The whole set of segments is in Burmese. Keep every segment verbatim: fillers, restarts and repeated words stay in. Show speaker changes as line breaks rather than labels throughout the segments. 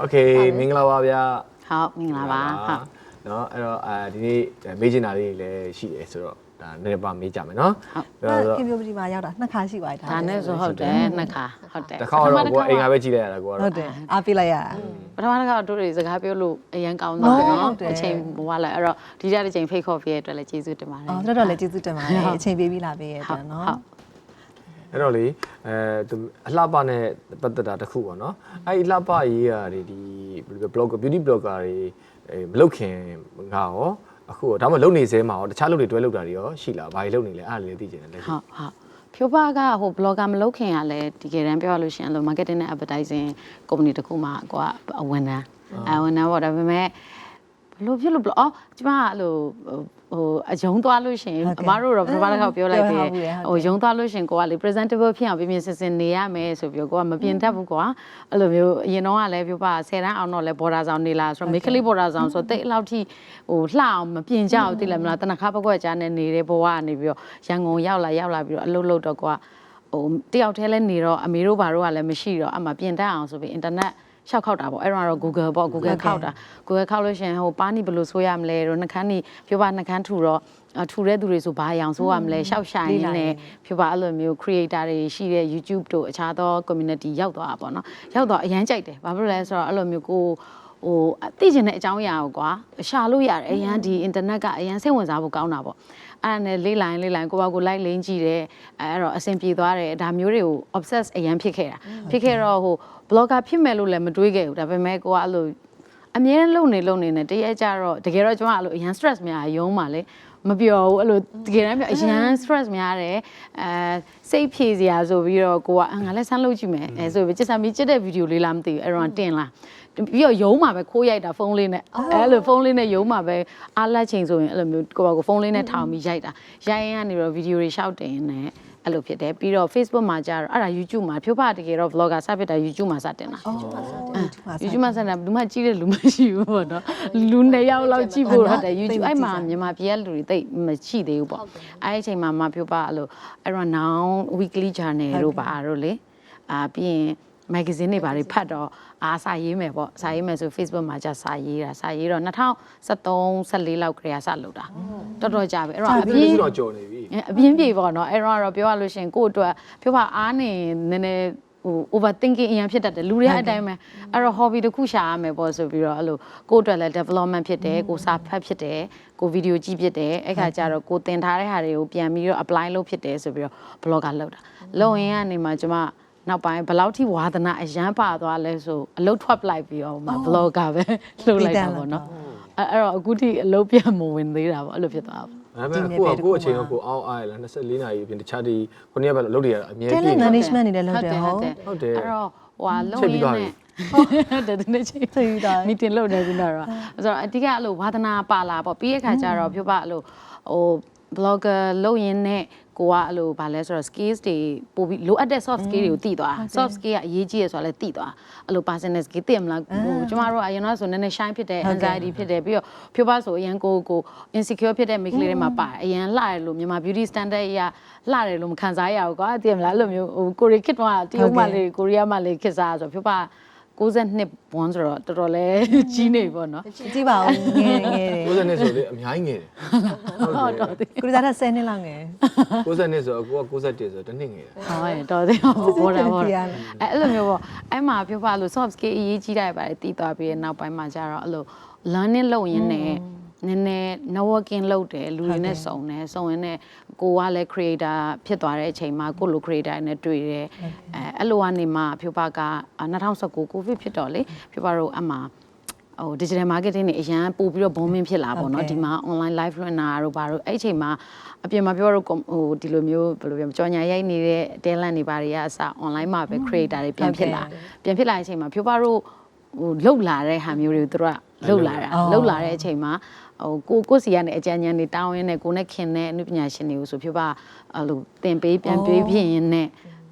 Okay မင်္ဂလာပါဗျာ
ဟုတ်မင်္ဂလာပါဟုတ်
เนาะအဲ့တော့အဲဒီနေ့မေးချင်တာလေးလည်းရှိတယ်ဆိုတော့ဒါနည်းနည်းပါမေးကြမယ်เนาะ
ဟုတ်ကဲ့ခင်ဗျိုပတီမှာရောက်တာနှစ်ခါရှိပါပြီဒါ
ဒါနဲ့ဆိုဟုတ်တယ်နှစ်ခါဟုတ်တယ်
တစ်ခါတော့ကိုအိမ်ကပဲကြည့်လိုက်ရတာကိုကတော့
ဟုတ်တယ်အားပေးလိုက်ရတာ
ပထမတစ်ခါတို့တွေစကားပြောလို့အရန်ကောင်းတော့တယ်နော်အချိန်ဘဝလိုက်အဲ့တော့ဒီကြတဲ့ချိန်ဖိတ်ခေါ်ပြရတဲ့အတွက်လည်းကျေးဇူးတင်ပါတယ်
အော်တော်တော်လည်းကျေးဇူးတင်ပါတယ်အချိန်ပေးပြီးလာပေးရတဲ့နော်
ဟုတ်
အဲ့တော့လေအဲအလှပနဲ့ပတ်သက်တာတစ်ခုပေါ့နော်အဲ့ဒီလှပရေးရာတွေဒီ blogger beauty blogger တွေမလုပ်ခင်ငါရောအခုဒါမှမလုပ်နေစဲမှာရောတခြားလုပ်တွေတွဲလုပ်တာတွေရောရှိလားဘာတွေလုပ်နေလဲအဲ့ဒါလေးသိချင်တယ်လက်ရှိ
ဟုတ်ဟုတ်ဖြိုးပါကဟို blogger မလုပ်ခင်ကလည်းဒီကယ်တမ်းပြောရလို့ရှိရင်လို့ marketing နဲ့ advertising company တခုမှကိုကအဝန်ထမ်းအဝန်ထမ်းပေါ့ဒါပေမဲ့ဘလို့ဖြစ်လို့အော်ကျမအဲ့လိုဟိုအယုံသွားလို့ရှင်အမတို့တော့ပထမတစ်ခါပြောလိုက်တယ်ဟိုယုံသွားလို့ရှင်ကိုကလေ presentable ဖြစ်အောင်ပြပြစင်စင်နေရမယ်ဆိုပြီးကိုကမပြင်တတ်ဘူးကွာအဲ့လိုမျိုးအရင်တော့ကလည်းပြောပါဆယ်တန်းအောင်တော့လဲ border ဆောင်နေလားဆိုတော့ make up border ဆောင်ဆိုတော့တိတ်အလောက်ထိဟိုလှအောင်မပြင်ကြအောင်သိလားမလားတနခါပကွက်ကြားနဲ့နေတဲ့ဘဝကနေပြီးတော့ရန်ကုန်ရောက်လာရောက်လာပြီးတော့အလုပ်လုပ်တော့ကွာဟိုတယောက်တည်းလဲနေတော့အမေတို့ဘာတို့ကလည်းမရှိတော့အမှပြင်တတ်အောင်ဆိုပြီး internetရှောက်ခောက်တာပေါ့အဲ့တော့ Google ပေါ့ Google ခောက်တာ Google ခောက်လို့ရှင်ဟိုပါနီဘယ်လိုဆိုရမလဲတော့နှခမ်းนี่ပြောပါနှခမ်းထူတော့ထူတဲ့သူတွေဆိုဘာအောင်ဆိုရမလဲရှောက်ဆိုင်နေနဲ့ပြောပါအဲ့လိုမျိုး creator တွေရှိတဲ့ YouTube တို့အခြားသော community ရောက်သွားတာပေါ့နော်ရောက်တော့အရန်ကြိုက်တယ်ဘာဖြစ်လို့လဲဆိုတော့အဲ့လိုမျိုးကိုဟိုသိကျင်တဲ့အကြောင်းအရာကိုကွာရှာလို့ရတယ်အရန်ဒီ internet ကအရန်စိတ်ဝင်စားဖို့ကောင်းတာပေါ့အဲ့ဒါနဲ့လေးလိုင်းလေးလိုင်းကိုပါကိုလိုက်လင်းကြည့်တယ်အဲ့တော့အဆင်ပြေသွားတယ်ဒါမျိုးတွေကို obsess အရန်ဖြစ်ခဲ့တာဖြစ်ခဲ့တော့ဟို blogger ဖြစ်မယ်လို့လည်းမတွေးခဲ့ဘူးဒါပေမဲ့ကိုကအဲ့လိုအမြဲတမ်းလုံနေလုံနေနဲ့တရက်ကြတော့တကယ်တော့ကျွန်မအဲ့လိုအရန် stress များရုံးပါလေမပြောဘူးအဲ့လိုတကယ်တမ်းပြောအရန် stress များတယ်အဲစိတ်ဖြေစရာဆိုပြီးတော့ကိုကငါလည်းဆန်းလုပ်ကြည့်မယ်အဲဆိုပြီးကျစမီကျတဲ့ဗီဒီယိုလေးလားမသိဘူးအဲ့တော့တင်လာပြီးတော့ရုံးမှာပဲခိုးရိုက်တာဖုန်းလေးနဲ့အဲ့လိုဖုန်းလေးနဲ့ရုံးမှာပဲအားလက်ချိန်ဆိုရင်အဲ့လိုမျိုးကိုကဖုန်းလေးနဲ့ထောင်ပြီးရိုက်တာရိုက်ရင်ကနေတော့ဗီဒီယိုတွေရှောက်တင်နေအဲ့လိုဖြစ်တယ်ပြီးတော့ Facebook မှာကြာတော့အဲ့ဒါ YouTube မှာဖြိုးဖတကယ်တော့ vlogger စဖြစ်တာ YouTube မှာစတင်တာ YouTube မှာစတင်တာဘူးမှကြည့်တဲ့လူမရှိဘူးပေါ့နော်လူနှစ်ယောက်လောက်ကြည့်ဖို့ဟုတ်တယ် YouTube အဲ့မှာမြန်မာပြည်ကလူတွေတိတ်မရှိသေးဘူးပေါ့အဲ့ဒီအချိန်မှာမဖြိုးဖအဲ့လိုအဲ့တော့ now weekly journal တို့ပါတို့လေအာပြီးရင်မဂ္ဂဇင်းတွေဘာတွေဖတ်တော့အားစာရေးမယ်ပေါ့စာရေးမယ်ဆို Facebook မှာကြာစာရေးတာစာရေးတော့၂၀၁၃ ၁၄လောက်ကလေးကစလုပ်တာတော်တော်ကြာပြီအဲ့တော့အပြင်း
တော့ကြော်နေပြီ
အပြင်းပြေပေါ့နော်အဲ့တော့တော့ပြောရလို့ရှင်ကို့အတွက်ပြောပါအားနေနည်းနည်းဟို overthinking အရင်ဖြစ်တတ်တယ်လူတွေအတိုင်းပဲအဲ့တော့ hobby တစ်ခုရှာရမယ်ပေါ့ဆိုပြီးတော့အဲ့လိုကို့အတွက်လည်း development ဖြစ်တယ်ကိုစာဖတ်ဖြစ်တယ်ကို video ကြည့်ဖြစ်တယ်အဲ့ခါကျတော့ကိုသင်ထားတဲ့ဟာတွေကိုပြန်ပြီးတော့ apply လုပ်ဖြစ်တယ်ဆိုပြီးတော့ blogger လုပ်တာလုပ်ရင်ကနေမှကျွန်မနောက်ပိုင်းဘယ်လောက်ထိဝါသနာအရန်ပါသွားလဲဆိုအလုပ်ထွက်ပလိုက်ပြီးတော့မှ vlogger ပဲလုပ်လိုက်တာပေါ့နော်အဲ့တော့အခုထိအလုပ်ပြန်မဝင်သေးတာပေါ့အဲ့လိုဖြစ်သွားပါ
ဒါပေမဲ့ကိုကကိုအချိန်ကကိုအောက်အားရလား၂၄နာရီအပြင်တခြားဒီခုနှစ်ရက်ပဲလုပ်နေရတာအမြဲတမ်း
talent management နေလည်းလုပ်တယ်ဟုတ်
ဟုတ်တယ်
အဲ့တော့ဟိုလုံရင်းနဲ့ဟုတ်တယ်ဒီနေ့ချိန်
သိတာ
meeting လုပ်နေပြီတော့ဆိုတော့အတိကအဲ့လိုဝါသနာပါလာပေါ့ပြီးရခါကျတော့ဖြိုးပါအဲ့လိုဟို blogger လုပ်ရင်းနဲ့ကိုကအဲ့လိုဗာလဲဆိုတော့ skills တွေပို့ပြီးလိုအပ်တဲ့ soft skill တွေကိုတည်သွား soft skill ကအရေးကြီးရဆိုတော့လည်းတည်သွားအဲ့လို personal skill သိမလားဟိုကျမတို့ကအရင်တော့ဆိုနည်းနည်း shine ဖြစ်တယ် anxiety ဖြစ်တယ်ပြီးတော့ဖြိုးပါဆိုအရင်ကိုကို insecure ဖြစ်တဲ့မိန်းကလေးတွေမှာပါတယ်အရင်လှတယ်လို့မြန်မာ beauty standard အရလှတယ်လို့မခံစားရဘူးကွာသိမလားအဲ့လိုမျိုးဟိုကိုရီခေတ်တော့တရုတ်မှလေးကိုရီးယားမှလေးခေတ်စားဆိုဖြိုးပါကိုးနှစ်ဘွန်းဆိုတော့တော်တော်လေးကြီးနေပေါ့နော်
ကြည့်ပါဦးငယ်ငယ်တယ်
ကိုးနှစ်ဆိုလေအများကြီးငယ်တယ်
ဟုတ်တော်တယ်
ကိုရီးယားကဆယ်နှစ်လောက်ငယ်
ကိုးနှစ်ဆိုအကိုကကိုး၁၁ဆိုတနှစ်ငယ်တယ်
ဟုတ်တော်တယ်ဘောတာဘောအဲ့အဲ့လိုမျိုးပေါ့အဲ့မှာပြောပါလို့ soft skill အရေးကြီးတာပါတယ်တည်သွားပြီးနောက်ပိုင်းမှာကျတော့အဲ့လို learning လုပ်ရင်းနဲ့နည်းနည်း networking လုပ်တယ်လူတွေနဲ့စုံတယ်စုံရင်းနဲ့ကိုကလည်း creator ဖြစ်သွားတဲ့အချိန်မှာကိုလို creator နဲ့တွေ့တယ်အဲအဲ့လိုကနေမှဖြိုးပါက၂၀၁၉ covid ဖြစ်တော့လေဖြိုးပါတို့အမှဟို digital marketing တွေအရန်ပို့ပြီးတော့ booming ဖြစ်လာပေါ့နော်ဒီမှာ online live runner တို့ဘာတို့အဲ့အချိန်မှာအပြင်မှာပြောတော့ဟိုဒီလိုမျိုးဘယ်လိုပြောကြော်ညာရိုက်နေတဲ့ talent တွေဘာတွေကအစ online မှာပဲ creator တွေပြန်ဖြစ်လာပြန်ဖြစ်လာတဲ့အချိန်မှာဖြိုးပါတို့ဟိုလှုပ်လာတဲ့ဟာမျိုးတွေကိုတို့ကလှုပ်လာတာလှုပ်လာတဲ့အချိန်မှာဟိုကိုကိုစီကနေအကြံဉာဏ်တွေတောင်းရင်းနဲ့ကိုနဲ့ခင်တဲ့အနုပညာရှင်တွေကိုဆိုဖြိုးပါအဲ့လိုသင်ပေးပြန်ပေးဖြစ်ရင်းနဲ့ဟ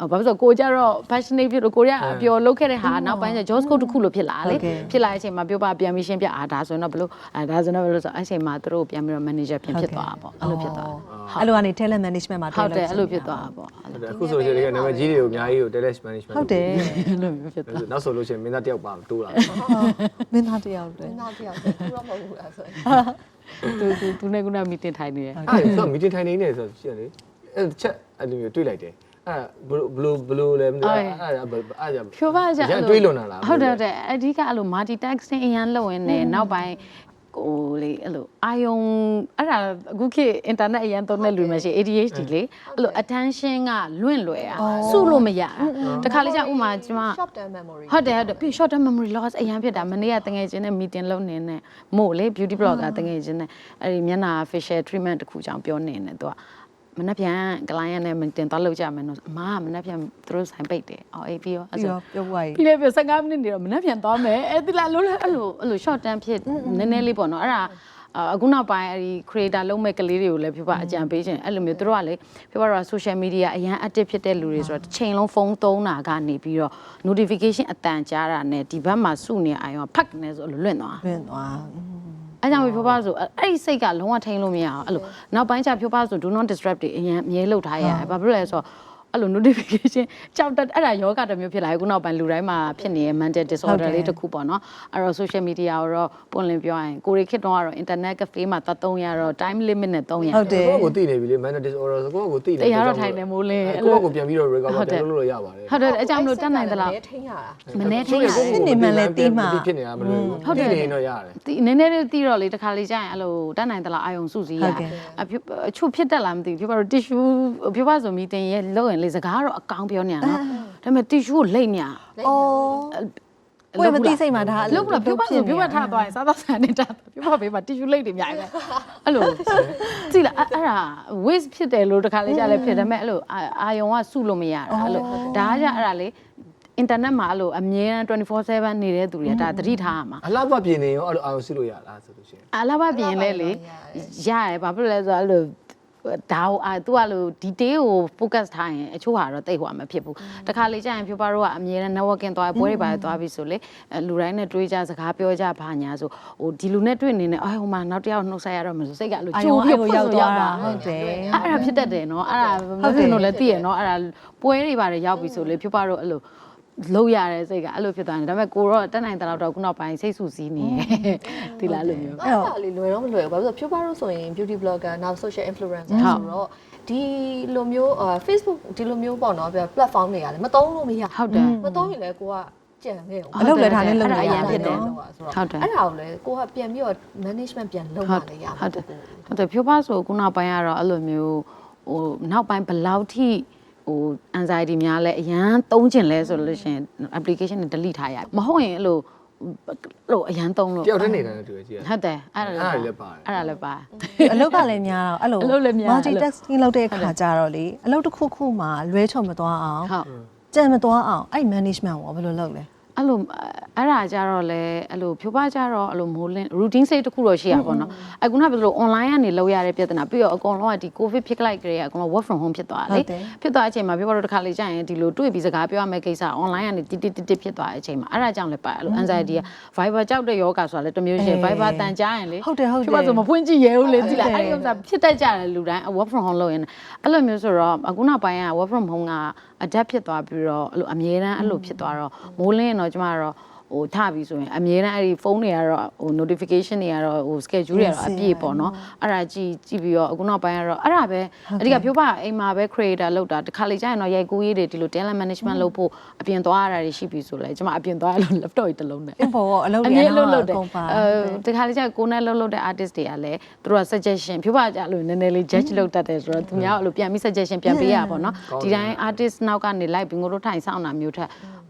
ဘာလို့ဆိုကိုကြတော့ passionate ဖြစ်လို့ကိုရအပျော်လုပ်ခဲ့တဲ့ဟာနောက်ပိုင်းကျ Joss Code တစ်ခုလို့ဖြစ်လာလေဖြစ်လာတဲ့အချိန်မှာပြောပါပြန်ပြီးရှင်းပြအာဒါဆိုရင်တော့ဘလို့အာဒါဆိုတော့ဘလို့ဆိုအဲ့ချိန်မှာသူတို့ပြန်ပြီးတော့ manager ပြန်ဖြစ်သွားတာပေါ့အဲ့လိုဖြစ်သွား
အဲ့လိုကနေ talent management မှာ
ဟုတ်တယ်အဲ့လိုဖြစ်သွားတာပေါ့
အခုဆိုရင်ဒီကနာမည်ကြီးတွေကိုအများကြီးကို talent management
ဟုတ်တယ်
အဲ့လိုမျိုးဖြစ်သွား
နောက်ဆိုလို့ရှိရင်မင်းသားတယောက်ပါတိုးလာ
မင်းသားတယောက်တည်း
နောက်တစ်ယောက်သူတော့မဟုတ်ဘူးလားဆိုရင်
သူသူသူနဲ့ကနာမီတင်ထိုင်နေတယ်
အဲ့ဆိုမီတင်ထိုင်နေနေဆိုရှိရလေအဲ့ချက်အဲ့လိုမျိုးတွေးလိုက်တယ်အဲ့ဘလိုဘလိုလဲမသိအဲ့အဲ့အဲ့
ဖြိုးပါကြ
တွေးလွန်တာလား
ဟုတ်တယ်ဟုတ်တယ်အဓိကအဲ့လို multitasking အရန်လုပ်ရင်းနဲ့နောက်ပိုင်းကိုလေအဲ့လိုအာယုံအဲ့ဒါအခုခေတ် internet အရန်သုံးတဲ့လူမရှိ A D H D လေအဲ့လို attention ကလွင့်လွယ်တာစုလို့မရတခါလေးကျဥမာကျမ
short term memory
ဟုတ်တယ်ဟုတ်တယ်ပြီး short term memory loss အရန်ဖြစ်တာမနေ့ကတငယ်ချင်းနဲ့ meeting လုပ်နေနဲ့မို့လေ beauty blogger တငယ်ချင်းနဲ့အဲ့ဒီမျက်နှာ facial treatment တခုကြောင့်ပြောနေတယ်သူကမနှက်ပြန် client နဲ့ meeting တော့လုပ်ကြမယ်နော်အမကမနှက်ပြန်သူတို့ဆိုင်ပိတ်တယ်အော်အေးပြီးရောအဲ့
ပြီး
ဆို
တော့ပြောပွားကြီး
ပြီးလေပြဆယ်ငါးမိနစ်နေတော့မနှက်ပြန်သွားမယ်အဲ့ဒီလားလို့အဲ့လိုအဲ့လို short term ဖြစ်နည်းနည်းလေးပေါ့နော်အဲ့ဒါအခုနောက်ပိုင်းအဲ့ဒီ creator လုံးမဲ့ကလေးတွေကိုလည်းပြပအကြံပေးခြင်းအဲ့လိုမျိုးတို့ကလေပြပတော့ social media အရန် active ဖြစ်တဲ့လူတွေဆိုတော့တစ်ချိန်လုံးဖုန်းသုံးတာကနေပြီးတော့ notification အတန်ကြားတာနဲ့ဒီဘက်မှာစုနေအောင်ဖတ်နေဆိုလွင့်သွား
လွင့်သွား
အဲ့ကြောင့်ဖြိုးပါဆိုအဲ့ဒီစိတ်ကလုံးဝထိန်လို့မရအောင်အဲ့လိုနောက်ပိုင်းကျဖြိုးပါဆို do not disturb တွေအရင်အမြဲလုပ်ထားရတယ်ဘာဖြစ်လို့လဲဆိုတော့အဲ့လို notification ကြောက်တက်အဲ့ဒါယောဂတစ်မျိုးဖြစ်လာခုနောက်ပိုင်းလူတိုင်းမှာဖြစ်နေတဲ့ mental disorder လေးတစ်ခုပေါ့နော်အဲ့တော့ social media ကိုတော့ပွင့်လင်းပြောရရင်ကိုရီခေတ်တော့ကတော့ internet cafe မှာတတ်သုံးရတော့ time limit နဲ့သုံးရ
ဟုတ်တယ်
ကိုယ့်ကိုသိနေပြီလေ mental disorder ဆိုကိုယ့်ကိုသိနေ
တရားတော့ထိုင်နေမိုးလင်းအဲ့လို
ကိုယ့်ကိုပြန်ပြီးတော့ recover ပြန်လုပ်လို့ရပါတယ်
ဟုတ်တယ်အကြောင်းမလို့တတ်နိုင်သလား
ထိန်းရတာ
မနေထိရ
ဖြစ်နေမှလည်းသိမှ
ဖြစ်နေတာမလို့ဟုတ်တယ်နေတော့ရတယ်
ဒီနည်းနည်းလေးတီးတော့လေတခါလေးကြာရင်အဲ့လိုတတ်နိုင်သလားအာယုံစုစည်းရအချို့ဖြစ်တတ်လားမသိဘူးပြပါတော့ tissue ပြပါဆို meeting ရဲ့လောက်ရင်လေစကားတော့အကောင်ပြောနေရနော်ဒါပေမဲ့ tissue ကိုလိမ့်နေရ
အော်ကိုယ်မသိစိတ်မှာဒါ
လောက်တော့ပြပါဆိုပြပါထားသွားရင်စားတော့ဆန်နေတာပြပါဘေးမှာ tissue လိမ့်တွေအများကြီးပဲအဲ့လိုကြည့်လားအဲ့ဒါ waste ဖြစ်တယ်လို့တခါလေးကြာလဲဖြစ်တယ်မဲ့အဲ့လိုအာယုံကစုလို့မရတာအဲ့လိုဒါကကြအဲ့ဒါလေ internet မှာအဲ့လိုအမြဲတမ်းtwenty four sevenနေတဲ့သူတွေကဒါသတိထားရမှာ
အလှပပြင်နေရောအဲ့လိုအာရုံစုလို့ရလားဆိုလို့ရှိရင်
အလားပါပြင်လဲလေရတယ်ဘာဖြစ်လဲဆိုတော့အဲ့လိုဒါဟိုအာသူကလို့ detail ကို focus ထားရင်အချို့ဟာတော့တိတ်ဟိုမှာမဖြစ်ဘူးတခါလေကြာရင်ဖြူပါတော့ကအမြဲတမ်း networking သွားပွဲတွေပါသွားပြီဆိုလေလူတိုင်းနဲ့တွေးကြစကားပြောကြဘာညာဆိုဟိုဒီလူနဲ့တွေ့နေနေအော်ဟိုမှာနောက်တစ်ယောက်နှုတ်ဆက်ရတော့မလို့စိတ်ကအဲ့လိုကြိုးပြီးရောက်သွားတာ
ဟုတ်တယ်
အဲ့ဒါဖြစ်တတ်တယ်နော်အဲ့ဒါမဖြစ်လို့လည်းသိရနော်အဲ့ဒါပွဲတွေပါတယ်ရောက်ပြီဆိုလေဖြူပါတော့အဲ့လိုလုံးရတဲ့စိတ်ကအဲ့လိုဖြစ်သွားတယ်ဒါပေမဲ့ကိုတော့တက်နိုင်တဲ့လောက်တော့ခုနောက်ပိုင်းစိတ်ဆူစည်းနေဒီလားလို့မျိုး
အဲ့ဒါလေးလွယ်တော့မလွယ်ဘူးဘာလို့ဆိုဖြိုးပါတော့ဆိုရင် beauty blogger နောက် social influencer ဆိုတော့ဒီလိုမျိုး Facebook ဒီလိုမျိုးပေါ့နော် platform တွေကလည်းမသုံးလို့မရ
ဟုတ်တယ်
မသုံးရင်လည်းကိုကကြံခဲ့အောင်
အလုပ်လည်းထားနဲ့လုပ်နေ
အ
ရ
ရန်ဖြစ်တယ်
ဟုတ်တယ်အဲ့ဒါကိုလည်းကိုကပြန်ပြီးတော့ management ပြန်လုပ်မှလည်းရမှာ
ဟုတ်တယ်ဟုတ်တယ်ဖြိုးပါဆိုခုနောက်ပိုင်းကတော့အဲ့လိုမျိုးဟိုနောက်ပိုင်းဘယ်လောက်ထိဟို anxiety များလဲအရန်သုံးကျင်လဲဆိုလို့ရှိရင် application တွေ delete ထားရမဟုတ်ရင်အဲ့လိုအဲ့လိုအရန်သုံးလို့
တယောက်တည်းနေတာနဲ့တူရဲ့ကြည့်ရ
ဟုတ်တယ်အဲ့ဒါ
အဲ့ဒါလည်းပါတယ်
အဲ့ဒါလည်းပါ
အလုပ်ကလည်းများတော့အဲ့လို
အလုပ်လည်းများ
multitasking လုပ်တဲ့အခါကျတော့လေအလုပ်တစ်ခုခုမှာလွဲချော်မသွားအောင်
ဟုတ်
ကြံမသွားအောင်အဲ့ management ကိုဘယ်လိုလုပ်လဲ
အဲ့လိုအဲ့ဒါကြတော့လေအဲ့လိုဖြိုးပါကြတော့အဲ့လိုမိုးလင်း routine စိတ်တစ်ခုတော့ရှိရပါတော့အခုနကပြောလို့ online ကနေလောက်ရတဲ့ပြဿနာပြီးတော့အကုန်လုံးကဒီ covid ဖြစ်လိုက်ကြတဲ့အကုန်လုံး work from home ဖြစ်သွားတယ်လေဖြစ်သွားတဲ့အချိန်မှာပြောတော့တစ်ခါလေကြာရင်ဒီလိုတွေ့ပြီးစကားပြောရမယ့်ကိစ္စ online ကနေတိတိတိတိဖြစ်သွားတဲ့အချိန်မှာအဲ့ဒါကြောင့်လည်းပါအဲ့လို anxiety က Viber ကြောက်တဲ့ယောဂဆိုတာလည်းတစ်မျိုးရှိ Viber တန်ကြားရင်လေ
ဟုတ်တယ်ဟုတ်တယ်
ဖြိုးပါဆိုမဖွင့်ကြည့်ရဘူးလေကြည့်လိုက်အဲ့ဒီဥစ္စာဖြစ်တတ်ကြတယ်လူတိုင်း work from home လုပ်ရင်အဲ့လိုမျိုးဆိုတော့အခုနောက်ပိုင်းက work from home က adapt ဖြစ်သွားပြီးတော့အဲ့လိုအမြဲတမ်းအဲ့လိုဖြစ်သွားတော့မိုးလင်းရင်တော့ကျမကတော့ဟိုထပြီဆိုရင်အမြဲတမ်းအဲ့ဒီဖုန်းတွေကတော့ဟို notification တွေကတော့ဟို schedule တွေကတော့အပြည့်ပေါ့နော်အဲ့ဒါကြည့်ကြည့်ပြီးတော့အခုနောက်ပိုင်းကတော့အဲ့ဒါပဲအဓိကဖြိုးပါအိမ်မှာပဲ creator လောက်တာတစ်ခါလေကြာရင်တော့ရိုက်ကူးရေးတွေဒီလို talent management လုပ်ဖို့အပြင်သွားရတာတွေရှိပြီဆိုလဲကျမအပြင်သွားရလို့ laptop ကြီးတစ်လုံးနဲ့
အင်ပေါ်အလုပ်
အ
တွေ
မြဲ
အ
လုပ်
လုပ်
လုပ်တယ်
ကုန်ပါ
အဲတခါလေကြာကိုနဲ့လုပ်လုပ်တဲ့ artist တွေကလည်းသူတို့က suggestion ဖြိုးပါကြလို့နည်းနည်းလေး judge လုပ်တတ်တယ်ဆိုတော့သူများအဲ့လိုပြန်ပြီး suggestion ပြန်ပေးရပါတော့နော်ဒီတိုင်း artist နောက်ကနေလိုက်ပြီးငိုတို့ထိုင်ဆောင်တာမျိုးထက်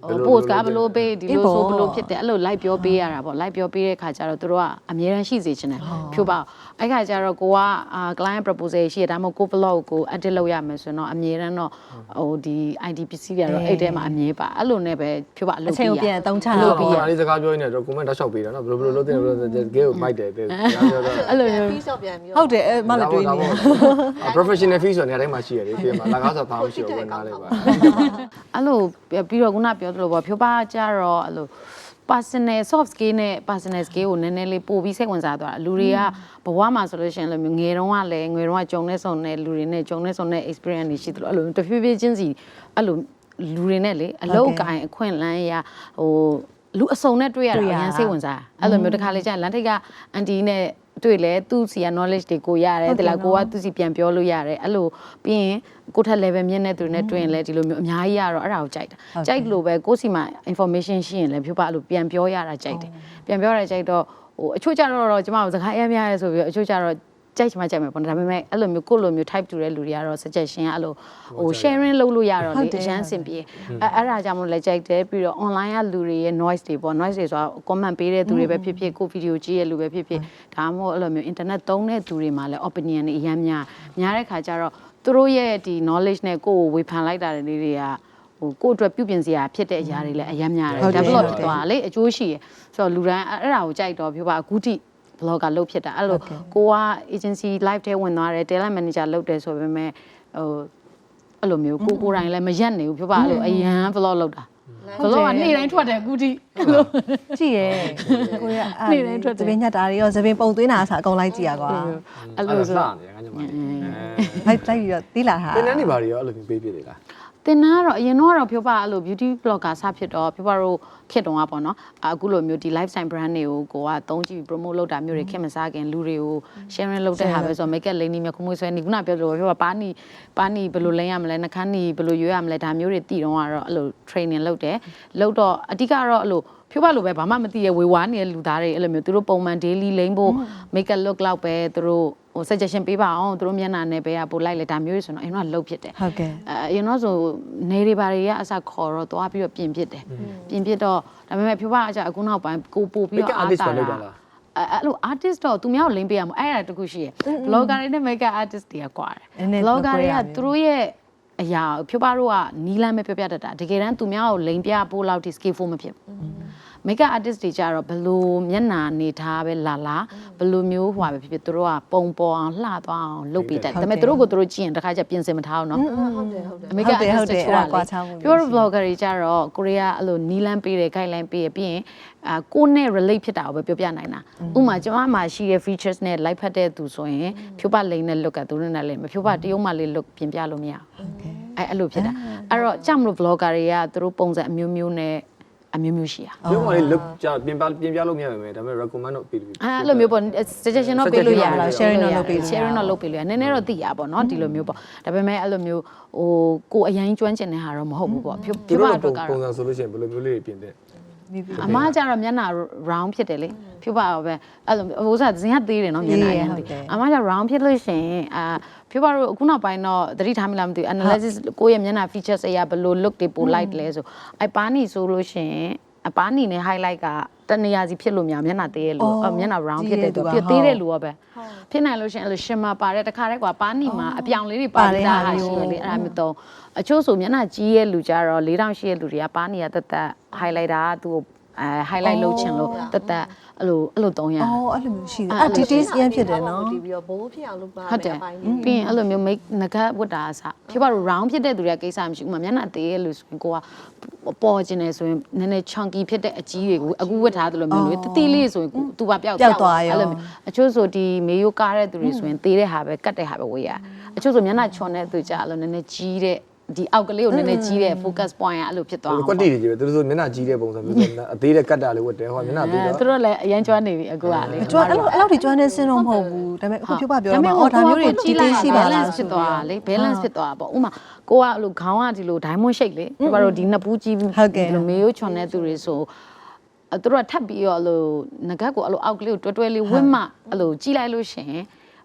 post ကဘလို့ပေးဒီလိုဆိုဘလို့ဖြစ်တယ်အဲ့လို live ပြောပေးရတာပေါ့ live ပြောပေးတဲ့ခါကျတော့တို့ကအမြဲတမ်းရှိစေချင်တယ်ဖြိုးပါအဲ့ခါကျတော့ကိုက client proposal ရှိရဒါမှမဟုတ်ကို blog ကို edit လုပ်ရမယ်ဆိုတော့အမြဲတမ်းတော့ဟိုဒီ I D ပစ္စည်းတွေတော့အဲ့ထဲမှာအမြဲပါအဲ့လိုနဲ့ပဲဖြိုးပါအလုပ်ပြီးရ
အချိန်ပြန်အသုံးချ
လို့ပြီးရအဲ့ဒီစကားပြောနေတော့ comment တောက်လျှောက်ပေးတာနော်ဘယ်လိုဘယ်လိုလုပ်တင်ဘယ်လိုဂဲကိုမိုက်တယ်တဲ့အဲ့လို
အဲ့လို fees တော့ပြန်ပြီး
ဟုတ်တယ်မလည်းတွေးနေ
professional fee ဆိုနေရာတိုင်းမှာရှိရတယ်ပြင်မှာလကားဆိုဘာမှမရှိဘူးဝင်သားလေးပါ
အဲ့လိုပြီးတော့ခုနပြောသလိုပေါ့ဖြိုးပါကြတော့အဲ့လို personal soft skill နဲ့ personal skill ကိုနည်းနည်းလေးပို့ပြီးစိတ်ဝင်စားသွားတာလူတွေကဘဝမှာဆိုလို့ရှိရင်လည်းငယ်တုန်းကလည်းငယ်တုန်းကကြုံနေဆုံတဲ့လူတွေနဲ့ကြုံနေဆုံတဲ့ experience တွေရှိသလိုအဲ့လိုတဖြည်းဖြည်းချင်းစီအဲ့လိုလူတွေနဲ့လေအလောက်ကိုင်အခွင့်လန်းရဟိုလူအစုံနဲ့တွေ့ရတာအရင်စိတ်ဝင်စားအဲ့လိုမျိုးတစ်ခါလေကြာလမ်းထိပ်ကအန်တီနဲ့တွေ့လဲသူ့စီက knowledge တွေကိုရတယ်တလားကိုကသူ့စီပြန်ပြောလို့ရတယ်အဲ့လိုပြီးရင်ကိုထက် level မြင့်တဲ့သူတွေနဲ့တွေ့ရင်လဲဒီလိုမျိုးအများကြီးရတော့အဲ့ဒါကိုကြိုက်တာကြိုက်လို့ပဲကိုစီမှာ information ရှိရင်လဲဖြူပါအဲ့လိုပြန်ပြောရတာကြိုက်တယ်ပြန်ပြောရတာကြိုက်တော့ဟိုအချို့ကြတော့ကျမတို့စကားအများများရဲဆိုပြီးအချို့ကြတော့ကြိုက်ချင်မှကြိုက်မယ်ပေါ့ဒါပေမဲ့အဲ့လိုမျိုးကိုလိုမျိုး type တူတဲ့လူတွေကတော့ suggestion အဲ့လိုဟို sharing လုပ်လို့ရတော့လေအရန်စင်ပြေအဲ့အဲ့ဒါကြောင့်မလို့လည်းကြိုက်တယ်ပြီးတော့ online ကလူတွေရဲ့ noise တွေပေါ့ noise တွေဆိုတာ comment ပေးတဲ့သူတွေပဲဖြစ်ဖြစ်ကို video ကြည့်ရလူပဲဖြစ်ဖြစ်ဒါမှမဟုတ်အဲ့လိုမျိုး internet သုံးတဲ့သူတွေမှာလည်း opinion တွေအများများများတဲ့ခါကျတော့သူတို့ရဲ့ဒီ knowledge နဲ့ကိုယ်ကိုဝေဖန်လိုက်တာတွေတွေကဟိုကိုယ့်အတွက်ပြုပြင်စရာဖြစ်တဲ့အရာတွေလည်းအများများတယ် develop ဖြစ်သွားလေအကျိုးရှိရဆိုတော့လူတိုင်းအဲ့ဒါကိုကြိုက်တော့ပြောပါအခုထိblogger လုပ်ဖြစ်တာအဲ့လိုကိုက agency live ထဲဝင်သွားတယ် talent manager လုပ်တယ်ဆိုပေမဲ့ဟိုအဲ့လိုမျိုးကိုကိုတိုင်းလည်းမရက်နေဘူးပြောပါအဲ့လိုအရန် vlog လုပ်တာ vlog ကနေ့တိုင်းထွက်တယ်အခုထိအဲ့လို
ကြည့်ရဲကိုရအဲ့နေ့တိုင်းထွက်တယ်သပင်းညက်တာတွေရောသပင်းပုံသွင်းတာဆိုအကုန်လိုက်ကြည့်ရကွာ
အဲ့လိုဆိုနေငါညမလေး
လိုက်လိုက်ပြီးတော့တီးလာတာ
တင်းတန်းနေပါရောအဲ့လိုမျိုးပေးပြတယ်လား
တင်နာကတော့အရင်တော့ကတော့ပြောပါအဲ့လို beauty blogger စဖြစ်တော့ပြောပါတော့ခက်တုံးอ่ะပေါ့နော်အခုလိုမျိုးဒီ lifestyle brand တွေကိုကိုကသုံးကြည့် promote လုပ်တာမျိုးတွေခက်မစားခင်လူတွေကို sharing လုပ်တဲ့ဟာပဲဆိုတော့ make up လိမ့်နေမြခုမွေးဆွဲနေခုနပြောလို့ပြောပါပါနီပါနီဘယ်လိုလိမ့်ရမလဲနှခမ်းနီဘယ်လိုရွေးရမလဲဒါမျိုးတွေတည်တော့ကတော့အဲ့လို training လုပ်တယ်လုပ်တော့အဓိကတော့အဲ့လိုဖြိုးပါလို့ပဲဘာမှမသိရဝေဝါနေတဲ့လူသားတွေအဲ့လိုမျိုးသူတို့ပုံမှန် daily လိမ့်ဖို့ make up look လောက်ပဲသူတို့ဟို suggestion ပေးပါအောင်သူတို့မျက်နှာနဲ့ပဲပို့လိုက်လေဒါမျိုးတွေဆိုတော့အရင်ကလှုပ်ဖြစ်တယ်
ဟုတ်ကဲ့
အဲအရင်တော့ဆိုနေတွေဘာတွေကအစခေါ်တော့သွားပြီးတော့ပြင်ဖြစ်တယ်ပြင်ဖြစ်တော့ဒါပေမဲ့ဖြိုးပါအကြအခုနောက်ပိုင်းကိုပို့ပြီးတော့အားတာတာအဲ့လို artist တော့သူများကိုလိမ့်ပေးရမှာအဲ့ဒါတခုရှိရယ် blogger တွေနဲ့ makeup artist တွေကကွာတယ် blogger တွေကသူတို့ရဲ့အရာဖြိုးပါတို့ကနီးလန်းပဲပြောပြတတ်တာတကယ်တမ်းသူများကိုလိမ့်ပြပို့လောက်ထိ skillful မဖြစ်ဘူး makeup artist တွေကြတော့ဘလို့မျက်နှာနေထားပဲလာလာဘလို့မျိုးဟွာပဲဖြစ်ဖြစ်သူတို့ကပုံပေါ်အောင်လှသွားအောင်လုပ်ပေးတယ်ဒါပေမဲ့သူတို့ကိုသူတို့ကြည့်ရင်တစ်ခါကျပြင်စင်မထားအောင်နော်
ဟုတ်တယ်ဟုတ်တယ်
makeup artist တွေကွာပြောတော့ blogger တွေကြတော့ကိုရီးယားအဲ့လိုနီးလန်းပေးတယ် guideline ပေးရပြီးရင်အာကိုနဲ့ relate ဖြစ်တာကိုပဲပြောပြနိုင်တာဥပမာကျွန်မမှာရှိတဲ့ features နဲ့ like ဖတ်တဲ့သူဆိုရင်ဖြိုးပါလိမ့်နဲ့ look ကသူတို့နဲ့လည်းမဖြိုးပါတရုံးမှလေး look ပြင်ပြလို့မရဘူးအဲ့အဲ့လိုဖြစ်တာအဲ့တော့ကြောက်မလို့ blogger တွေကသူတို့ပုံစံအမျိုးမျိုးနဲ့အမျိုးမျိုးရှိရ
ပြောမှလေး look ကြပြင်ပြပြင်ပြလို့မရပါဘူးဒါပေမဲ့ recommend တော့ပေးလို့
အဲ့လိုမျိုးပေါ့ suggestion တော့ပေးလို့ရ
sharing တော့လုပ်ပေးလို့
sharing တော့လုပ်ပေးလို့ရနည်းနည်းတော့သိရပါတော့ဒီလိုမျိုးပေါ့ဒါပေမဲ့အဲ့လိုမျိုးဟိုကိုအရင်ကျွမ်းကျင်တဲ့ဟာတော့မဟုတ်ဘူးပေါ့ဖြိုးဖြိုးပါတော့ကတော့
ပုံစံဆိုလို့ရှိရင်ဘယ်လိုမျိုးလေးပြင်တဲ့
အမကျတော့မျက်နှာ round ဖြစ်တယ်လေဖြိုးပါတော့ပဲအဲ့လိုဟိုစားဇင်ကသေးတယ်နော်မျက်နှာရမ်းသေးအမကျ round ဖြစ်လို့ရှိရင်အာဖြိုးပါတော့အခုနောက်ပိုင်းတော့သတိထားမိလားမသိဘူး analysis ကိုယ့်ရဲ့မျက်နှာ features အရာဘယ်လို look တွေပို light လဲဆိုအပါနီဆိုလို့ရှိရင်အပါနီနဲ့ highlight ကတနေရာစီဖြစ်လို့များမျက်နှာသေးရဲ့လို့မျက်နှာ round ဖြစ်တဲ့သူပြသေးတဲ့လူရောပဲဖြစ်နိုင်လို့ရှိရင်အဲ့လို shimmer ပါတဲ့တခါတည်းကွာပါနီမှာအပြောင်လေးတွေပါတဲ့ဟာရှိတယ်လေအဲ့ဒါမျိုးတော့အချို့ဆိုမျက်နှာကြီးရဲ့လူကြတော့၄တောင်ရှိရဲ့လူတွေကပါနီကတက်တက် highlighter ကသူ့အဲ highlight လုပ်ချင်လို့တက်တက်အဲ့လိုအဲ့လိုသုံးရ
အော်အဲ့လိုမျိုးရှိတယ်အဲ့ details ရမ်းဖြစ်တယ်နော်
ဒီပြီးတော့ဘိုးဖြစ်အောင်လုပ်ပါ
ဟုတ်တယ်ပြီးရင်အဲ့လိုမျိုး make ငကဝတ်တာအစဖြစ်ပါတော့ round ဖြစ်တဲ့သူတွေကကိစ္စမရှိဘူးမမျက်နှာသေးရဲ့လို့ဆိုရင်ကိုကပေါ်ကျင်နေဆိုရင်နည်းနည်း chunky ဖြစ်တဲ့အကြီးတွေကိုအခုဝတ်ထားသလိုမျိုးလေတတိလေးဆိုရင်သူပါပျောက်သွားအဲ့လိုမျိုးအချို့ဆိုဒီမေယိုကားတဲ့သူတွေဆိုရင်သေးတဲ့ဟာပဲကတ်တဲ့ဟာပဲဝေးရအချို့ဆိုမျက်နှာချွန်တဲ့သူကြအဲ့လိုနည်းနည်းကြီးတဲ့ဒီအောက်ကလေးကိုနည်းနည်းကြီးတဲ့ focus point ကအဲ့လိုဖြစ်သွားအောင်
ကွက်တီတွေကြီးပဲသူတို့ဆိုမျက်နှာကြီးတဲ့ပုံစံမျိုးဆိုအသေးတဲ့ကတ်တာလေးဝတ်တယ်ဟိုမျက်နှာသေးတော့
သူတို့လည်းအရင်ကျွမ်းနေပြီအခုကလေ
ကျွမ်းအဲ့လိုအဲ့လောက်ထိကျွမ်းနေစင်းတော့မဟုတ်ဘူးဒါပေမဲ့အခုဖြိုးပါပြောတော့အော်ဒါမျိုးတွေကြီးသေးရှိပါလား
ဖြစ်သွားလေ balance ဖြစ်သွားတာပေါ့ဥမာကိုကအဲ့လိုခေါင်းကဒီလို diamond shape လေဒီမှာတော့ဒီနှစ်ပူးကြီးဒီလိုမေယိုချွန်တဲ့သူတွေဆိုသူတို့ကထပ်ပြီးတော့အဲ့လိုငကတ်ကိုအဲ့လိုအောက်ကလေးကိုတွဲတွဲလေးဝင့်မှအဲ့လိုကြီးလိုက်လို့ရှင်ဘ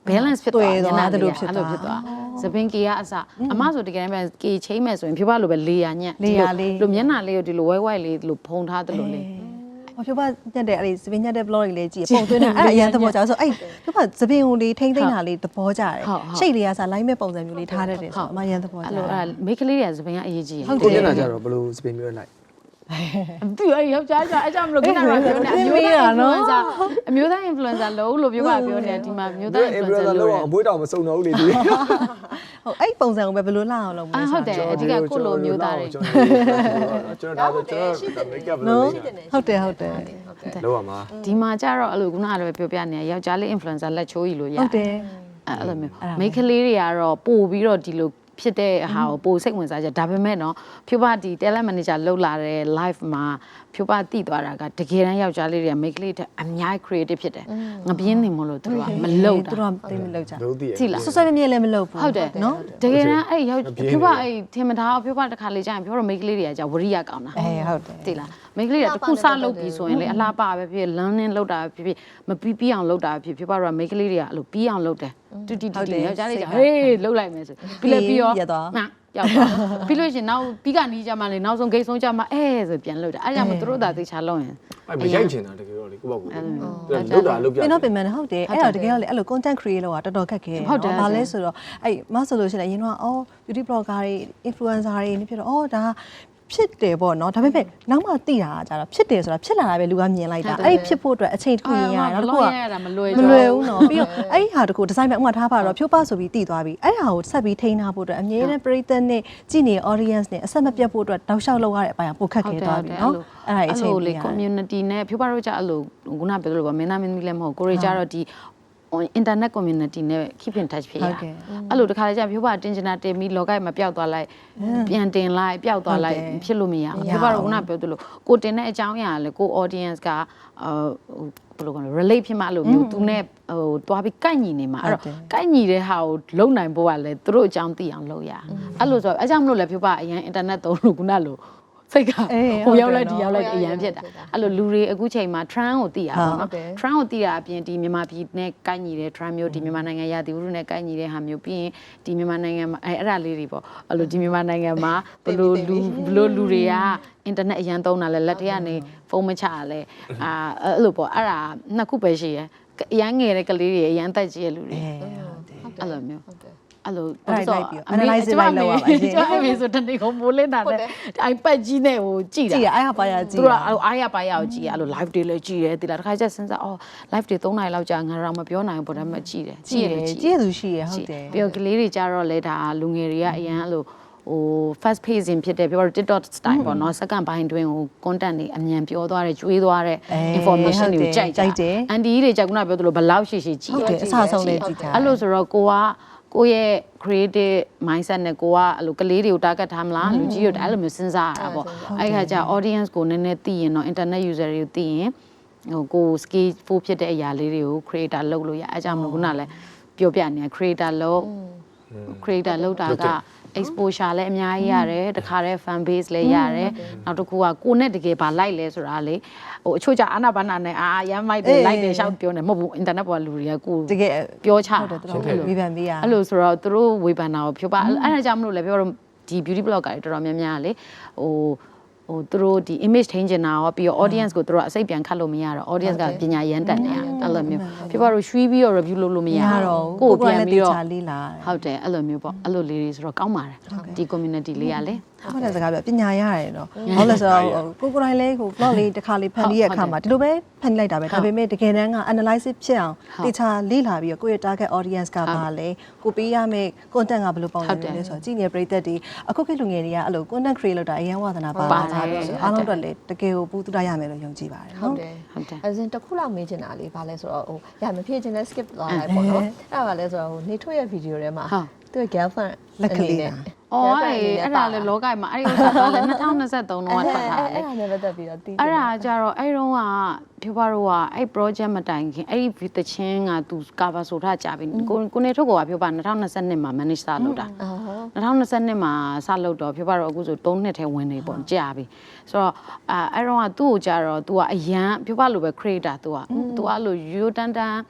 balance ဖြစ်သွားတယ်အဲ့လိုဖြစ်သွားသပင်ကေကအစအမဆိုတကယ်တမ်းကေချင်းမဲ့ဆိုရင်ဖြူပါလိုပဲလေယာညက်လိုမျက်နှာလေးကိုဒီလိုဝဲဝဲလေးဒီလိုဖုံထားတယ်လို့လေ
ဟောဖြူပါညက်တဲ့အဲ့ဒီစပင်းညက်တဲ့ blog တွေလေးကြည့်ပုံသွင်းတာအဲ့အရင်သဘောကျဆိုအဲ့ဖြူပါစပင်းကိုလေးထိမ့်သိမ့်တာလေးသဘောကျတယ်ရှိတ်လေးကစား line မဲ့ပုံစံမျိုးလေးထားတတ်တယ်ဆိုအမရန်သဘောကျတယ်အဲ့လိုအဲ့
မိတ်ကလေးတွေကစပင်းကအရေးကြီး
ဟုတ်တယ်ညကြတော့ဘယ်လိုစပင်မျိုးလိုက်
သူအဲ့ယောက်ျားကျအဲ့ကြောင့်မလို့ခဏတော့ပြောနေအမျိုးသား influencer အမျိုးသား influencer လို့လို့ပြောပါပြောနေတာဒီမှာမျိုးသား influencer လို့
အမွေးတော်မစုံတော့ဘူးလေဒီ
ဟုတ်အဲ့ပုံစံကိုပဲဘယ်လိုလှအောင်လုပ်မလဲ
ဟုတ်တယ်အဓိကကိုလိုမျိုးသားတွေ
ကျွန်တော်ဒါဆိုကျွန်တော် make up လုပ်နေ
ဟုတ်တယ်ဟုတ်တယ်
လောက်ပါမှာ
ဒီမှာကျတော့အဲ့လိုခုနကလည်းပြောပြနေယောက်ျားလေး influencer လက်ချိုးကြီးလို့ရတယ်
ဟုတ်တယ်
အဲ့လိုမျိုးမိန်းကလေးတွေကတော့ပို့ပြီးတော့ဒီလိုဖြစ်တဲ့ဟာကိုပိုစိတ်ဝင်စားကြဒါပေမဲ့နော်ဖြူပါဒီ talent manager လောက်လာတဲ့ live မှာဖြူပါတည်သွားတာကတကယ်တမ်းယောက်ျားလေးတွေက make လေးတဲ့အများကြီး creative ဖြစ်တယ်ငပြင်းနေမလို့သူတို့ကမလုပ်တာ
သူတို့ကသိမလုပ်ကြ
ကြည့်လား
ဆွဆွမြဲမြဲလည်းမလုပ်ဘူး
ဟုတ်တယ်နော်တကယ်တမ်းအဲ့ယောက်ဖြူပါအဲ့ထင်မထားဖြူပါတစ်ခါလေကြာရင်ဖြူတော့ make လေးတွေကကြာဝရိယကောင်းတာ
အေးဟုတ်တယ်
ကြည့်လား make လေးကတခုစလုပ်ပြီးဆိုရင်လေအလားပါပဲဖြစ် learning လုပ်တာဖြစ်ဖြစ်မပြီးပြီးအောင်လုပ်တာဖြစ်ဖြူပါတော့ make လေးတွေကအဲ့လိုပြီးအောင်လုပ်တယ်တူတီတီယောက်ျားလေးကြာဟေးလုပ်လိုက်မယ်ဆိုပြီးလည်းပြီးရောမှရောက်သွားပြီးလို့ရှင်နောက်ပြီးကနီးကြမှာလေနောက်ဆုံးဂိတ်ဆုံးကြမှာအဲဆိုပြန်လုပ်တာအဲ့ကြောင့်မသူတို့သာသိချလုပ်ရင်
အဲ့မရိုက်ချင်တာတကယ်တော့လေကိုပေါ့ကိုလုတ်တာလုတ်ပြ
ပင်တော့ပင်မဟုတ်တယ်အဲ့တော့တကယ်တော့လေအဲ့လို content create လုပ်တာတော်တော်ခက်ခဲတယ်ဘာလဲဆိုတော့အဲ့မဆိုလို့ရှိရင်အရင်တော့အော် beauty blogger တွေ influencer တွေနေဖြစ်တော့အော်ဒါဖြစ်တယ်ပေါ့နော်ဒါပေမဲ့နောက်မှသိတာကြတော့ဖြစ်တယ်ဆိုတာဖြစ်လာတာပဲလူကမြင်လိုက်တာအဲ့ဒီဖြစ်ဖို့အတွက်အချိန်တစ်ခုရရတော့တခုက
မလွယ်
မလွယ်ဘူးနော်ပြီးတော့အဲ့ဒီဟာတခုဒီဇိုင်းပဲဥမာထားပါတော့ဖြိုးပဆိုပြီးတည်သွားပြီအဲ့ဒါကိုဆက်ပြီးထိန်းထားဖို့အတွက်အမြဲတမ်းပရိသတ်နဲ့ကြည့်နေ audience နဲ့အဆက်မပြတ်ဖို့အတွက်တောက်လျှောက်လုပ်ရတဲ့အပိုင်းကပိုခက်ခဲသွားပြီနော်အဲ့ဒါအချိန်
လေး community နဲ့ဖြိုးပတို့ကြအဲ့လိုခုနပြောလို့ပါမင်းသားမင်းသမီးလည်းမဟုတ်ကိုရီကြတော့ဒီinternet community နဲ့ keep in touch ဖြစ်ရအဲ့လိုတခါလေကြာဖြိုးပါတင်ချင်တာတင်ပြီးလောကမှာပျောက်သွားလိုက်ပြန်တင်လိုက်ပျောက်သွားလိုက်ဖြစ်လို့မရဘူးဖြိုးပါတော့ခုနပြောသလိုကိုတင်တဲ့အကြောင်းအရာလေကို audience ကဟိုဘယ်လိုကောလဲ relate ဖြစ်မှအဲ့လိုမျိုးသူနဲ့ဟိုတွားပြီးကိုက်ညီနေမှာအဲ့တော့ကိုက်ညီတဲ့ဟာကိုလုံနိုင်ဖို့ကလည်းသူတို့အကြောင်းသိအောင်လုပ်ရအဲ့လိုဆိုတော့အဲ့ကြောင့်မလို့လေဖြိုးပါအရင် internet သုံးလို့ခုနလိုစိတ်ကဟိုရောက်လိုက်ဒီရောက်လိုက်အရန်ဖြစ်တာအဲ့လိုလူတွေအခုချိန်မှာ trend ကိုသိရပါတော့ trend ကိုသိတာအပြင်ဒီမြန်မာပြည်နဲ့ကိုက်ညီတဲ့ trend မျိုးဒီမြန်မာနိုင်ငံရာသီဥတုနဲ့ကိုက်ညီတဲ့ဟာမျိုးပြီးရင်ဒီမြန်မာနိုင်ငံမှာအဲ့အဲ့ဒါလေးတွေပေါ့အဲ့လိုဒီမြန်မာနိုင်ငံမှာဘလို့လူဘလို့လူတွေက internet အရန်သုံးတာလဲလက်ထဲကနေဖုန်းမချရလဲအာအဲ့လိုပေါ့အဲ့ဒါနှစ်ခုပဲရှိရယ်အရန်ငယ်တဲ့ကလေးတွေအရန်တက်ကြီးတဲ့လူတွေအဲ့လိုမျိုးအဲ့လို
အဲ့လိုက်ပြီး analyze လိုက်လောက်ရပါရှင်
ကျွန်တော်ဆိုတနေ့ကမိုးလင်းတာနဲ့ iPad ကြီးနဲ့ဟိုကြည့်တာ
ကြည့်ရအားရပါရကြည့်
သူကအားရပါရကိုကြည့်ရအဲ့လို live တွေလည်းကြည့်တယ်ဒီလားတစ်ခါကျစဉ်းစားအော် live တွေသုံးနိုင်လောက်ကြာငါတော့မပြောနိုင်ဘူးဒါပေမဲ့ကြည့်တယ်
ကြည့်တယ်ကြည့်ရသူရှိရဟုတ်တယ်
ပြီးတော့ကလေးတွေကြတော့လဲဒါလူငယ်တွေကအရန်အဲ့လိုဟို fast pacing ဖြစ်တယ်ပြောတော့ TikTok style ပေါ့နော် second ဘိုင်းတွင်းဟို content တွေအမြန်ပြောသွားတယ်ကျွေးသွားတဲ့ information တွေကိုကြိုက်တယ်အန်တီတွေကြိုက်ခုနပြောသလိုဘလောက်ရှိရှိကြည့်
ဟုတ်တယ်အဆဆုံးလေးကြည့်ကြ
အဲ့လိုဆိုတော့ကိုကကိုရဲ့ creative mindset နဲ့ကိုကအဲ့လိုကလေးတွေကို target ထားမလားလူကြီးတွေအဲ့လိုမျိုးစဉ်းစားရတာပေါ့အဲ့ခါကျ audience ကိုနည်းနည်းသိရင်တော့ internet user တွေကိုသိရင်ဟိုကို skill ဖို့ဖြစ်တဲ့အရာလေးတွေကို creator လုပ်လို့ရအဲ့ကြောင့်မလို့ခုနလည်းပြောပြနေ creator လုပ် creator လုပ်တာကexposure လည်းအများကြီးရတယ်တခါတည်း fan base လည်းရတယ်နောက်တစ်ခုကကိုနဲ့တကယ်ဘာ like လဲဆိုတာလေဟိုအချို့ကြအာနာဘာနာနဲ့အာရမ်းမိုက်တယ် like တယ်ရှောက်ပြောနေမဟုတ်ဘူး internet ပေါ်လူတွေကကို
တကယ်
ပြောချ
ဟုတ်တယ်တော်တော်ဝေဖန်ပေးရ
အဲ့လိုဆိုတော့သူတို့ဝေဖန်တာကိုဖြိုးပါအဲ့ဒါကြောင့်မလို့လည်းပြောတော့ဒီ beauty blogger တွေတော်တော်များများလေဟိုဟိုသူတို့ဒီ image ထိန်းချင်တာရောပြီးတော့ audience ကိုသူတို့အစိတ်ပြန်ခတ်လို့မရတော့ audience ကပညာရမ်းတက်နေရအဲ့လိုမျိုးဖြစ်ပါတော့ရွှီးပြီးတော့ review လုပ်လို့မရ
တော့
ကိုပြန်ပြီးတော့
လေးလာ
ဟုတ်တယ်အဲ့လိုမျိုးပေါ့အဲ့လိုလေးတွေဆိုတော့ကောင်းပါတယ်ဒီ community လေးကလေ
ဟုတ်တယ်စကားပြောပညာရတယ်နော်ဟုတ်လဲဆိုတော့ကိုကိုတိုင်းလေးကို blog လေးတစ်ခါလေးဖန်ပြီးရအခါမှာဒီလိုပဲဖန်လိုက်တာပဲဒါပေမဲ့တကယ်တမ်းက analysis ဖြစ်အောင်တေချာလေ့လာပြီးတော့ကိုယ့်ရဲ့ target audience ကပါလဲကိုပေးရမယ့် content ကဘယ်လိုပုံစံမျိုးလဲဆိုတော့ကြည့်နေပရိသတ်တွေအခုခေတ်လူငယ်တွေကအဲ့လို content create လုပ်တာအရင်ဝါသနာပါလာတာဆိုအားလုံးတော့လေတကယ်ကိုပူးတူရရမယ်လို့ယုံကြည်ပါတယ်
နော်ဟုတ်တယ်ဟုတ်တယ်အရင်တစ်ခုလောက်မေးချင်တာလေးဘာလဲဆိုတော့ဟိုရမဖြည့်ချင်တဲ့ skip သွားလိုက်ပေါ့နော်အဲ့ဒါကလည်းဆိုတော့ဟိုနေထွက်ရဲ့ video ထဲမှာသူ့ girlfriend
လက်ကလေးနဲ့
အော်အဲ့ဒါလေလောကမှာအဲ့ဒီဥစ္စာတော့လေနှစ်ထောင်နှစ်ဆယ်သုံးလုံးကထွက်ထားတယ်
အဲ့ဒါနဲ့ပတ်သက်ပြီးတော့တီး
အဲ့ဒါကြတော့အဲ့တုန်းကဖြူပါတော့ကအဲ့ project မတိုင်ခင်အဲ့ဒီတချင်းကသူ cover ဆိုထားကြပြီကိုကိုနေထုတ်ကဖြူပါနှစ်ထောင်နှစ်ဆယ်နှစ်မှာ manage စလုပ်တာနှစ်ထောင်နှစ်ဆယ်နှစ်မှာစလုပ်တော့ဖြူပါတော့အခုဆိုသုံးနှစ်ထဲဝင်နေပေါ့ကြာပြီဆိုတော့အဲ့အဲ့တုန်းကသူ့ကိုကြတော့ तू ကအရန်ဖြူပါလိုပဲ creator तू က तू အဲ့လိုရိုးတန်းတန်း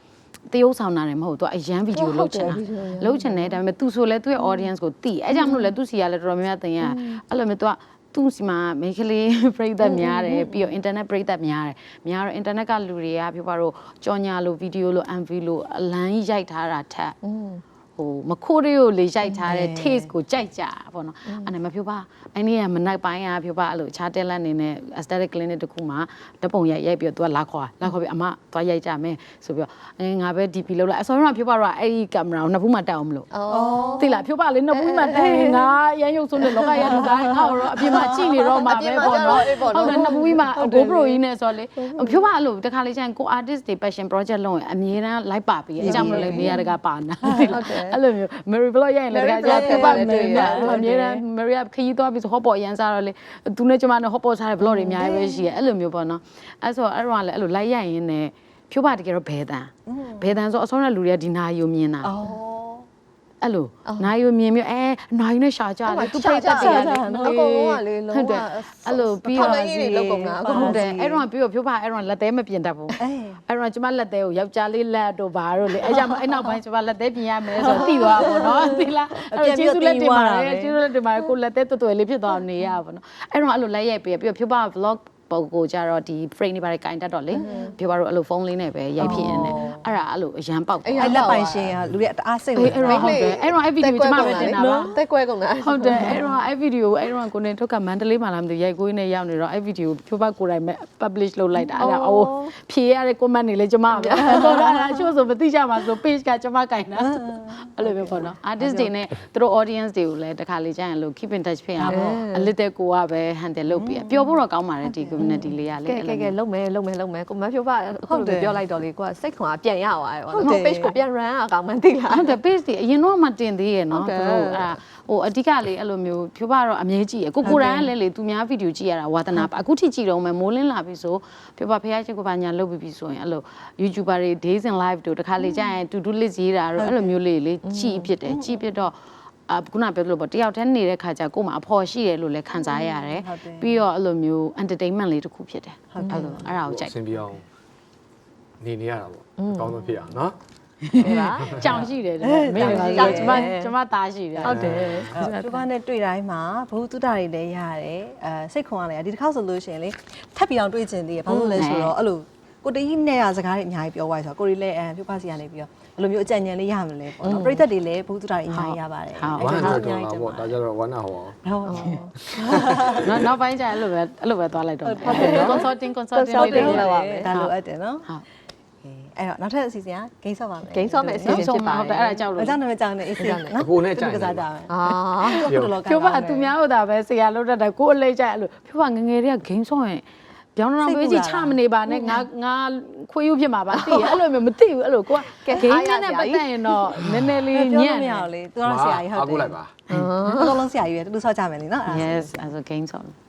တရုပ်ဆောင်တာလည်းမဟုတ်သူကအရန်ဗီဒီယိုလုပ်ချင်တာလုပ်ချင်တယ်ဒါပေမဲ့သူဆိုလဲသူ့ရဲ့ audience ကိုသိအဲကြောင့်မလို့လဲသူစီကလည်းတော်တော်များများတင်ရအဲ့လိုမျိုးသူကသူ့စီမှာမိန်းကလေးပရိသတ်များတယ်ပြီးတော့ internet ပရိသတ်များတယ်များတော့ internet ကလူတွေကပြောပါတော့ကြော်ညာလို့ဗီဒီယိုလို့ M V လို့အလန်းရိုက်ထားတာထက်ဟိုမခိုးတွေကိုလေရိုက်ထားတဲ့ taste ကိုကြိုက်ကြပေါ့နော်အဲ့ဒါမပြောပါအဲ့ဒီကမနိုင်ပိုင်းကပြောပါအဲ့လိုခြားတက်လက်နေနဲ့ aesthetic clinic တခုမှတပုံရိုက်ရိုက်ပြီးတော့ तू ကလာခေါ်လာခေါ်ပြီးအမသွားရိုက်ကြမယ်ဆိုပြီးတော့အဲငါပဲ D P လောက်လိုက်အစောကပြောပါတော့အဲ့ဒီကင်မရာကိုနှစ်ဖူးမှတက်အောင်မလို့သိလားပြောပါလေနှစ်ဖူးမှတက်ငါရမ်းရုပ်ဆုံးတဲ့လောကရလူသားငါ့တော့အပြင်မှာကြည့်နေတော့မှာပဲပေါ့နော်ဟုတ်တယ်နှစ်ဖူးကြီးမှ GoPro ကြီးနဲ့ဆိုလေပြောပါအဲ့လိုတခါလေကျရင်ကို artist တွေ passion project လုပ်ရင်အမြဲတမ်း like ပါပြီးအကြောင်းမလို့လေနေရာတကာပါနာအဲ့လိုမျိုး Mary Blog ရရင်လည်းတကယ်ကြာပြပါမယ်အမြဲတမ်း Mary ခရီးသွားပြီးဆို hot pot ရန်စားတော့လေသူနဲ့ကျမနဲ့ hot pot စားတဲ့ blog တွေအများကြီးပဲရှိရအဲ့လိုမျိုးပေါ့နော်အဲ့ဆိုအဲ့တော့လည်းအဲ့လို like ရရင်လည်းဖြိုးပါတကယ်တော့ဘဲတန်ဘဲတန်ဆိုအစောနဲ့လူတွေကဒီနာယုံမြင်တာအဲ့လိုနာယုံမြင်မျိုးအဲနာယုံနဲ့ရှာကြတယ်သူပြတ်တက်တယ်လေ
အကုန်လုံးကလေလုံးဝ
အဲ့လိုပြီးတော့
ထောက်လိုက်ရေးတွေလောက်ကုန်တာ
ဟုတ်တယ်အဲ့တော့ပြီးတော့ဖြိုးပါအဲ့တော့လက်သေးမပြင်တတ်ဘူးအဲ့တော့ကျမလက်သေးကိုယောက်ျားလေးလက်တို့ဘာတို့လေအဲ့ကြောင့်အဲ့နောက်ပိုင်းကျမလက်သေးပြင်ရမယ်ဆိုတော့သိသွားပါတော့နော်သိလားအဲ့ကျေးဇူးလက်တင်ပါတယ်ကျေးဇူးလက်တင်ပါတယ်ကိုလက်သေးတော်တော်လေးဖြစ်သွားနေရပါတော့အဲ့တော့အဲ့လိုလိုက်ရိုက်ပြီးပြီးတော့ဖြိုးပါ vlog ပုံကိုကြတော့ဒီ frame တွေပါတယ်ကင်တတ်တော့လေပြောပါတော့အဲ့လိုဖုန်းလေးနဲ့ပဲရိုက်ဖြစ်နေတယ်အဲ့ဒါအဲ့လိုအရန်ပေါက်တယ်
အဲ့လက်ပိုင်ရှင်ကလူတွေတအားစိတ်ဝင်
အဲ့တော့ဟုတ်တယ်အဲ့တော့အဲ့ဗီဒီယိုကျမပဲတင်တာပါ
တက်ကွဲကုန်တာ
ဟုတ်တယ်အဲ့တော့အဲ့ဗီဒီယိုအဲ့တော့ကိုနေထုတ်ကမန္တလေးမှာလာမသိရိုက်ကိုင်းနဲ့ရောက်နေတော့အဲ့ဗီဒီယိုဖြိုးပါကိုယ်တိုင်ပဲ publish လုပ်လိုက်တာအဲ့ဒါအိုးဖြေရတဲ့ comment တွေလည်းကျမပဲတော့အဲ့ဒါချို့ဆိုမသိကြပါဆို page ကကျမကင်တာအဲ့လိုပဲပေါ့နော် artist တွေနဲ့သူတို့ audience တွေကိုလည်းတစ်ခါလေကြာရင်လို့ keep in touch ဖြစ်အောင်အလစ်တဲ့ကိုကပဲ handle လုပ်ပြီးပျော်ဖို့တော့ကောင်းပါတယ်ဒီ community လေးကလေ
ကဲကဲကဲလုံးမယ်လုံးမယ်လုံးမယ်ကိုမဖြိုးပါအခုလိုပြောလိုက်တော့လေကိုကစိတ်ခွန်ကပြန်ရသွားတယ်ပေါ့နော် page ကိုပြန် run အကောင်မှန်းသိလား
ဟုတ်တယ် page တွေအရင်တော့မှတင်သေးရနော်သူတို့အဲ့ဒါဟိုအဓိကလေအဲ့လိုမျိုးဖြိုးပါတော့အမြဲကြည့်ရကိုကိုရန်ကလည်းလေသူများဗီဒီယိုကြည့်ရတာဝါသနာအခုထိကြည့်တော့မယ်မိုးလင်းလာပြီဆိုဖြိုးပါဖះချင်းကိုပါညာလုပ်ပြီးပြီဆိုရင်အဲ့လို YouTuber တွေ days in live တို့တခါလေကြာရင် to do list ရေးတာတော့အဲ့လိုမျိုးလေးလေကြည့်ဖြစ်တယ်ကြည့်ဖြစ်တော့အခုနပြောလို့ပေါ့တယောက်တည်းနေတဲ့ခါကျကို့မှာအဖော်ရှိတယ်လို့လည်းခံစားရတယ်ပြီးတော့အဲ့လိုမျိုး entertainment လေးတစ်ခုဖြစ်တယ်အဲ့လိုအဲ့ဒါကိုကြိုက်
ဆင်ပြအောင်နေနေရတာပေါ့အကောင်းဆုံးဖြစ်အောင်နော်
ဟုတ်လား
ကြောင်ရှိတယ်မင်းကကျမကျမသားရှိတယ်
ဟုတ်တယ်
သူကနဲ့တွေ့တိုင်းမှာဘုသူတတွေလည်းရတယ်အဲစိတ်ခွန်ကလည်းဒီတစ်ခေါက်ဆိုလို့ရှိရင်လေထပ်ပြီးအောင်တွေ့ကျင်သေးရဘာလို့လဲဆိုတော့အဲ့လိုကိုတကြီးနဲ့ရစကားတွေအများကြီးပြောသွားဆိုတော့ကိုရီလည်းအပြပါစီကနေပြီးတော့ဘယ်လိုမျိုးအကြံဉာဏ်လေးရမလဲပေါ့နော်ပရိသတ်တွေလည်းဘုသူတတွေအများကြီးရပါတယ်
ဝမ်းနဲ့တော့လာပေါ့ဒါကြတော့ဝမ်းနာဟောအောင်
ဟုတ်
နောက်နောက်ပိုင်းကျအဲ့လိုပဲအဲ့လိုပဲသွားလိုက်တော့ consulting consulting
ဆောက်တင်
လေး
လောက်
တွေ
ပါမယ်ဒါလိုအပ်တယ်နော်ဟုတ်အဲ့တော့နောက်ထပ်အစီအစဉ်ကဂိမ်းဆော့ပါမယ်
ဂိမ်းဆော့မယ်အစီအစဉ်ဖြစ်ပါ
ဟုတ်တယ်အဲ့ဒါကြောက်လို့
အကြောင်းနာမည်ကြောင်းနေအစီအစဉ်နော်
အကိုနဲ့ကြိုင်
ကစားကြမယ်
အာ
ဖြိုးပါသူများဟုတ်တာပဲဆရာလုပ်တတ်တယ်ကိုယ်အလေးကျအဲ့လိုဖြိုးပါငငယ်တွေက game ဆော့ရင်ပြောင်းတော့ပေးကြည့်ချမနေပါနဲ့ငါငါခွေးယူဖြစ်မှာပါသိရအဲ့လိုမျိုးမသိဘူးအဲ့လိုကိုက game နဲ့ပတ်သက်ရင်တော့နည်းနည်းလေးညံ့
မရအောင်လေသူကဆရာကြီးဟုတ်တယ်
အခုလိုက်ပါ
အကုန်လုံးဆရာကြီးပဲတူဆော့ကြမယ်လीနော်
yes as a game song